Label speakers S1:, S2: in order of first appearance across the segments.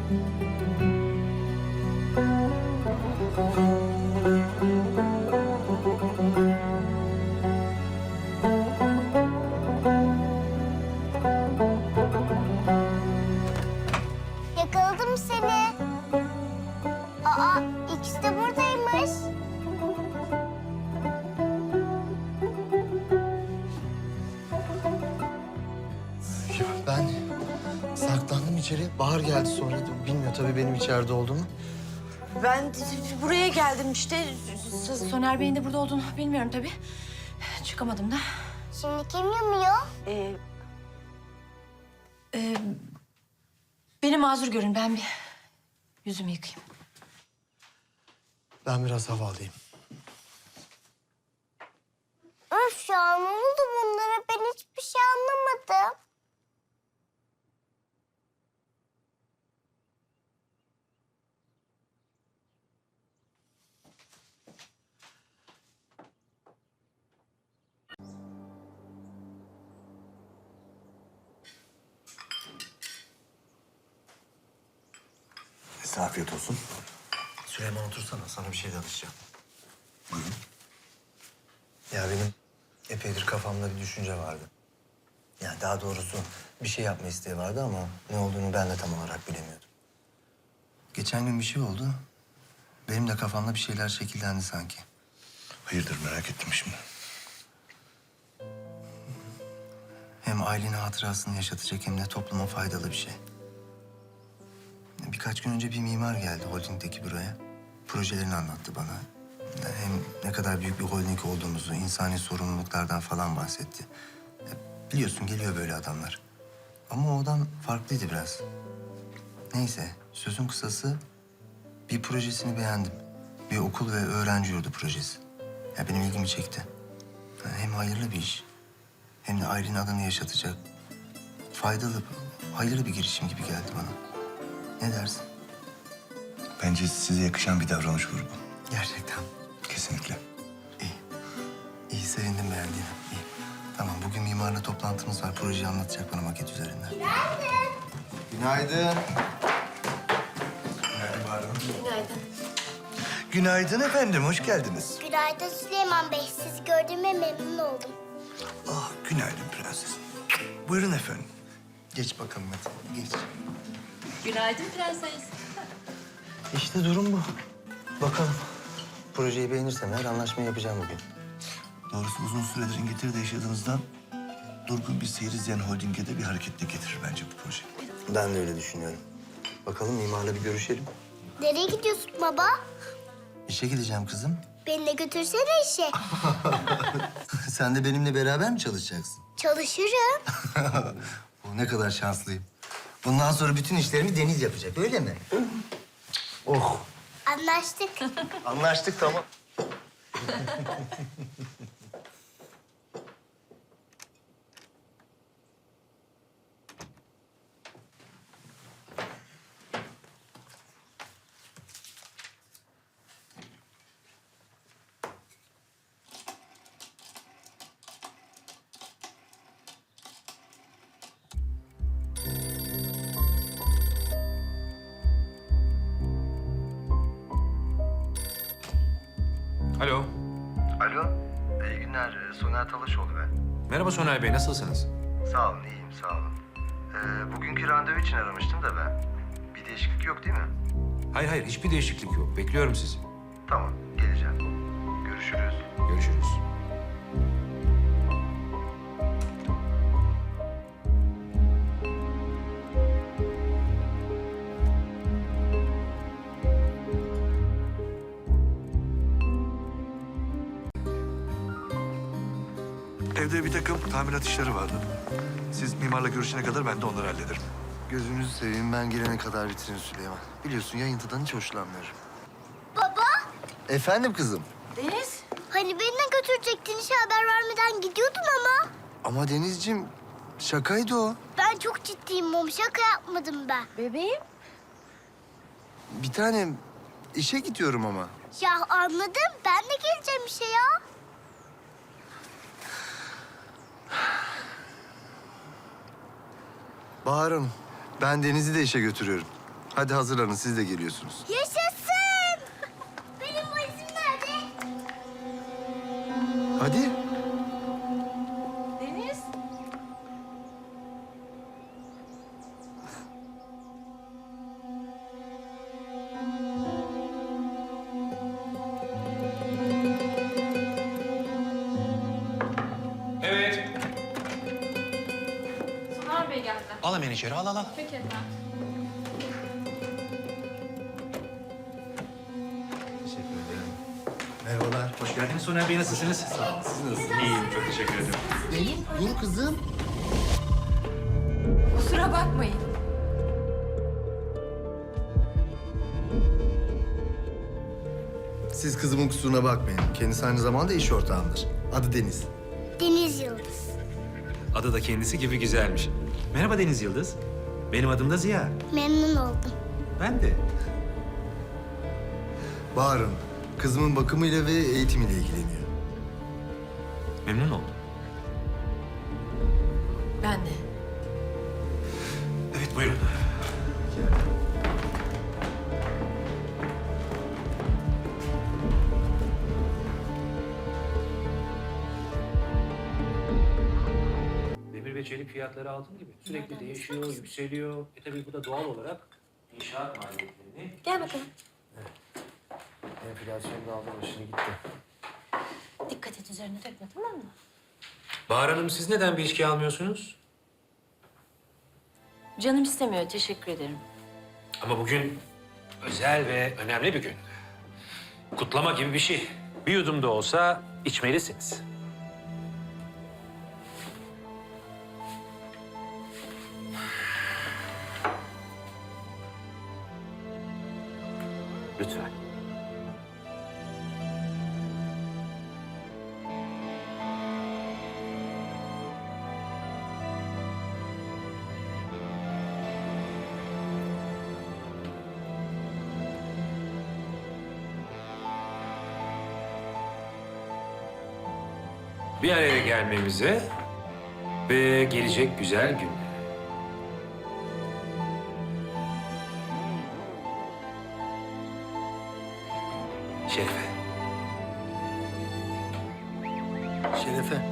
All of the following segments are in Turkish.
S1: Yakaladım seni. Aa, ikisi de buradaymış.
S2: Ya ben saklandım içeri. Bahar geldi sonra. Bilmiyor tabii benim içeride olduğumu.
S3: Ben buraya geldim işte. Soner Bey'in de burada olduğunu bilmiyorum tabii. Çıkamadım da.
S1: Şimdi kim yumuyor?
S3: Beni mazur görün. Ben bir yüzümü yıkayayım.
S2: Ben biraz hava alayım.
S1: Öf ya, ne oldu bunlara? Ben hiçbir şey anlamadım.
S4: Size afiyet olsun.
S2: Süleyman otursana. Sana bir şey danışacağım.
S4: Buyurun.
S2: Ya benim epeydir kafamda bir düşünce vardı. Yani daha doğrusu bir şey yapma isteği vardı ama ne olduğunu ben de tam olarak bilemiyordum. Geçen gün bir şey oldu. Benim de kafamda bir şeyler şekillendi sanki.
S4: Hayırdır, merak ettim şimdi.
S2: Hem ailenin hatırasını yaşatacak hem de topluma faydalı bir şey. Birkaç gün önce bir mimar geldi holdingdeki büroya. Projelerini anlattı bana. Hem ne kadar büyük bir holding olduğumuzu, insani sorumluluklardan falan bahsetti. Biliyorsun geliyor böyle adamlar. Ama o adam farklıydı biraz. Neyse, sözün kısası bir projesini beğendim. Bir okul ve öğrenci yurdu projesi. Ya benim ilgimi çekti. Hem hayırlı bir iş, hem de ailenin adını yaşatacak. Faydalı, hayırlı bir girişim gibi geldi bana. Ne dersin?
S4: Bence size yakışan bir davranış grubu.
S2: Gerçekten.
S4: Kesinlikle.
S2: İyi. İyi, sevindim beğendiğine. İyi. Tamam, bugün mimarla toplantımız var. Projeyi anlatacak bana maket üzerinden. Günaydın. Günaydın Bahar Hanım.
S3: Günaydın.
S4: Günaydın efendim, hoş geldiniz.
S1: Günaydın Süleyman Bey. Sizi gördüğüme memnun oldum.
S4: Ah, günaydın prenses. Buyurun efendim.
S2: Geç bakalım hadi, geç.
S3: Günaydın prenses.
S2: İşte durum bu. Bakalım. Projeyi beğenirsem eğer anlaşma yapacağım bugün.
S4: Doğrusu uzun süredir İngiltere'de yaşadığınızdan durgun bir seyir izleyen holdinge de bir hareketli getirir bence bu proje.
S2: Ben de öyle düşünüyorum. Bakalım mimarla bir görüşelim.
S1: Nereye gidiyorsun baba?
S2: İşe gideceğim kızım.
S1: Beni de götürsene işe.
S2: Sen de benimle beraber mi çalışacaksın?
S1: Çalışırım.
S2: Oh, ne kadar şanslıyım. Bundan sonra bütün işlerimi Deniz yapacak, öyle mi? Oh.
S1: Anlaştık.
S2: Anlaştık, tamam.
S5: Alo.
S2: Alo, iyi günler. Soner Talaşoğlu ben.
S5: Merhaba Soner Bey, nasılsınız?
S2: Sağ olun, iyiyim, sağ olun. Bugünkü randevu için aramıştım da ben. Bir değişiklik yok değil mi?
S5: Hayır hayır, hiçbir değişiklik yok. Bekliyorum sizi.
S2: Tamam, geleceğim. Görüşürüz.
S5: Görüşürüz.
S4: Evde bir takım tamirat işleri vardı. Siz mimarla görüşene kadar ben de onları hallederim.
S2: Gözünüzü seveyim, ben gelene kadar bitirin Süleyman. Biliyorsun yayıntıdan hiç hoşlanmıyorum.
S1: Baba,
S2: Efendim kızım?
S3: Deniz.
S1: hani beni de götürecektin, işe haber vermeden gidiyordun ama.
S2: Ama Denizciğim, şakaydı o.
S1: Ben çok ciddiyim Mom, şaka yapmadım ben.
S3: Bebeğim.
S2: Bir tanem, işe gidiyorum ama.
S1: Ya anladım, ben de geleceğim işe ya.
S2: Bahar'ım, ben Deniz'i de işe götürüyorum. Hadi hazırlanın, siz de geliyorsunuz.
S1: Yaşasın! Benim valizim nerede?
S2: Hadi.
S3: Deniz.
S5: Evet.
S6: Soner Bey geldi.
S5: Al hemen içeri, al.
S6: Peki efendim.
S2: Teşekkür ederim. Merhabalar.
S5: Hoş geldiniz Soner Bey, nasılsınız? Sağ olun. Siz nasılsınız? İyiyim, çok teşekkür ederim.
S2: Dur kızım.
S3: Kusura bakmayın.
S2: Siz kızımın kusuruna bakmayın. Kendisi aynı zamanda iş ortağımdır. Adı Deniz.
S1: Deniz Yıldız.
S5: Adı da kendisi gibi güzelmiş. Merhaba Deniz Yıldız. Benim adım da Ziya.
S1: Memnun oldum.
S5: Ben de.
S2: Bahar'ın kızımın bakımıyla ve eğitimiyle ilgileniyor.
S5: Memnun oldum.
S3: Ben de.
S5: Evet, buyurun. Demir ve çelik fiyatları altın gibi. Sürekli değişiyor, yükseliyor. Tabii bu da doğal olarak inşaat maliyetlerini...
S3: Gel bakalım.
S2: Enflasyon da aldı başını gitti.
S3: Dikkat et üzerine dökme, tamam mı?
S5: Bahar Hanım, siz neden bir içki almıyorsunuz?
S3: Canım istemiyor, teşekkür ederim.
S5: Ama bugün özel ve önemli bir gün. Kutlama gibi bir şey. Bir yudum da olsa içmelisiniz. Lütfen. Bir araya gelmemize ve gelecek güzel gün. Şerife.
S2: Şerefe.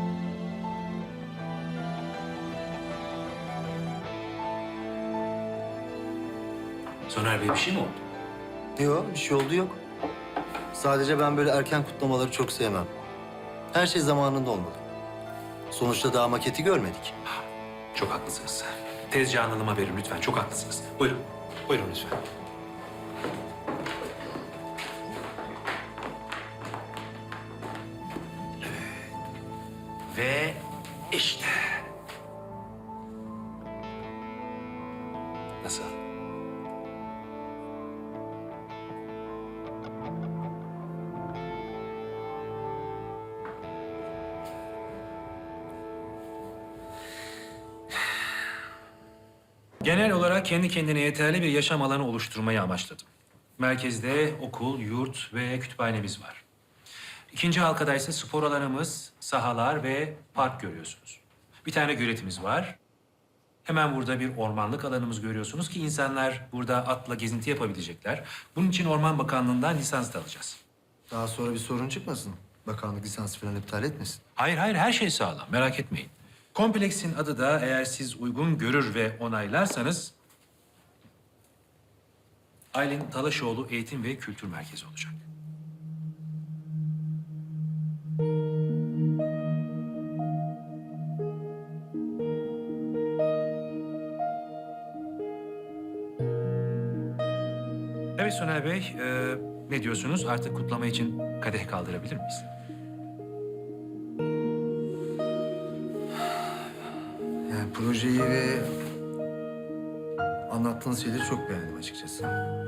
S5: Soner Bey, bir şey mi oldu?
S2: Yok, bir şey oldu yok. Sadece ben böyle erken kutlamaları çok sevmem. Her şey zamanında olmalı. Sonuçta daha maketi görmedik.
S5: Çok haklısınız. Tezcan Hanım'a verin lütfen. Çok haklısınız. Buyurun. Buyurun lütfen. Ve işte. Nasıl? Genel olarak kendi kendine yeterli bir yaşam alanı oluşturmayı amaçladım. Merkezde okul, yurt ve kütüphanemiz var. İkinci halkada ise spor alanımız, sahalar ve park görüyorsunuz. Bir tane göletimiz var. Hemen burada bir ormanlık alanımız görüyorsunuz ki insanlar burada atla gezinti yapabilecekler. Bunun için Orman Bakanlığı'ndan lisans da alacağız.
S2: Daha sonra bir sorun çıkmasın. Bakanlık lisans falan iptal etmesin.
S5: Hayır, her şey sağlam. Merak etmeyin. Kompleksin adı da eğer siz uygun görür ve onaylarsanız... Aylin Talaşoğlu Eğitim ve Kültür Merkezi olacak. Evet Soner Bey, ne diyorsunuz? Artık kutlama için kadeh kaldırabilir miyiz?
S2: Yani projeyi ve anlattığınız şeyleri çok beğendim açıkçası.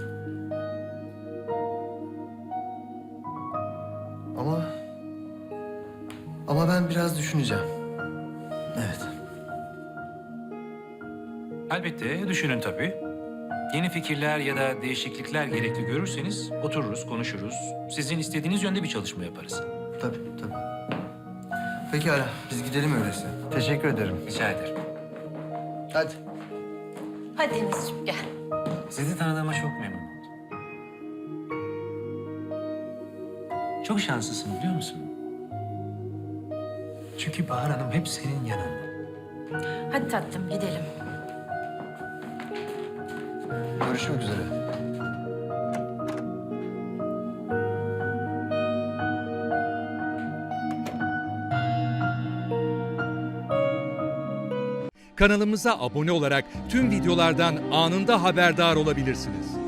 S2: Ama ben biraz düşüneceğim. Evet.
S5: Elbette düşünün tabii. Yeni fikirler ya da değişiklikler gerekli görürseniz otururuz, konuşuruz. Sizin istediğiniz yönde bir çalışma yaparız.
S2: Tabii. Pekala, biz gidelim öyleyse. Teşekkür ederim.
S5: Rica ederim.
S2: Hadi.
S3: Hadi Denizciğim gel.
S5: Sizi tanıdığıma çok memnun oldum. Çok şanslısın biliyor musun? Çünkü Bahar Hanım hep senin yanında.
S3: Hadi tatlım gidelim.
S2: Görüşmek üzere.
S6: Kanalımıza abone olarak tüm videolardan anında haberdar olabilirsiniz.